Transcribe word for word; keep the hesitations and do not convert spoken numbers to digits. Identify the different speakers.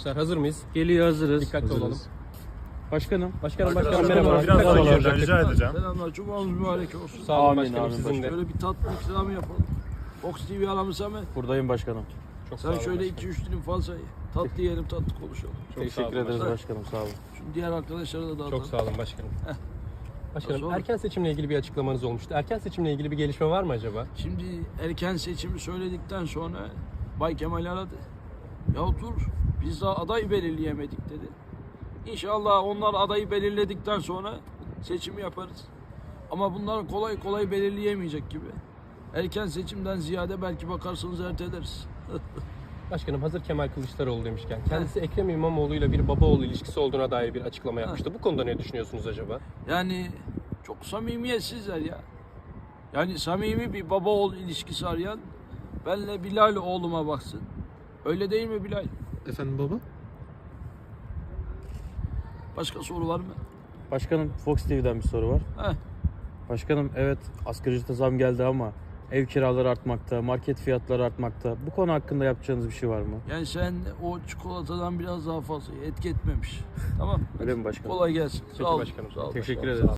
Speaker 1: arkadaşlar. Hazır mıyız?
Speaker 2: Geliyor, hazırız.
Speaker 1: Dikkatli
Speaker 2: Hazırız.
Speaker 1: olalım.
Speaker 2: Başkanım.
Speaker 1: Başkanım,
Speaker 3: Arkadaşlar,
Speaker 1: başkanım merhaba.
Speaker 3: biraz daha
Speaker 1: Merhabalar.
Speaker 3: geriden rica edeceğim.
Speaker 4: Selamlar, cumanız mübarek olsun.
Speaker 1: Sağ olun
Speaker 2: Amin,
Speaker 1: başkanım,
Speaker 2: amin
Speaker 1: sizin de.
Speaker 2: başkanım.
Speaker 4: Şöyle bir tatlı ikramı yapalım. Fox T V aramıza mı?
Speaker 2: Buradayım başkanım.
Speaker 1: Çok sağ
Speaker 4: Sen
Speaker 1: olun
Speaker 4: şöyle
Speaker 1: başkanım.
Speaker 4: iki üç dilim fazla ye. Tatlı yiyelim, tatlı konuşalım.
Speaker 1: Çok sağ
Speaker 2: Teşekkür
Speaker 1: olun
Speaker 2: ederiz
Speaker 1: başkanım.
Speaker 2: başkanım, sağ olun.
Speaker 4: Şimdi diğer arkadaşlara da dağıtalım.
Speaker 1: Çok sağ olun başkanım. Başkanım,
Speaker 4: Nasıl olur?
Speaker 1: erken seçimle ilgili bir açıklamanız olmuştu. Erken seçimle ilgili bir gelişme var mı acaba?
Speaker 4: Şimdi erken seçimi söyledikten sonra Bay Kemal aradı. Ya dur, biz daha aday belirleyemedik dedi. İnşallah onlar adayı belirledikten sonra seçimi yaparız. Ama bunları kolay kolay belirleyemeyecek gibi. Erken seçimden ziyade belki bakarsınız erteleriz.
Speaker 1: Başkanım, hazır Kemal Kılıçdaroğlu demişken, kendisi Ekrem İmamoğlu ile bir baba oğul ilişkisi olduğuna dair bir açıklama yapmıştı. Bu konuda ne düşünüyorsunuz acaba?
Speaker 4: Yani çok samimiyetsizler ya. Yani samimi bir baba oğul ilişkisi arayan benle Bilal oğluma baksın. Öyle değil mi Bilal?
Speaker 5: Efendim baba?
Speaker 4: Başka soru var mı?
Speaker 2: Başkanım, Fox T V'den bir soru var.
Speaker 4: Heh.
Speaker 2: Başkanım, evet asgari ücrete zam geldi ama ev kiraları artmakta, market fiyatları artmakta. Bu konu hakkında yapacağınız bir şey var mı?
Speaker 4: Yani sen o çikolatadan biraz daha fazla ye. Etki etmemiş. Tamam.
Speaker 2: Öyle mi başkanım?
Speaker 4: Kolay gelsin.
Speaker 1: Peki
Speaker 4: Sağ olun.
Speaker 1: başkanım.
Speaker 4: Sağ olun.
Speaker 2: Teşekkür ederiz.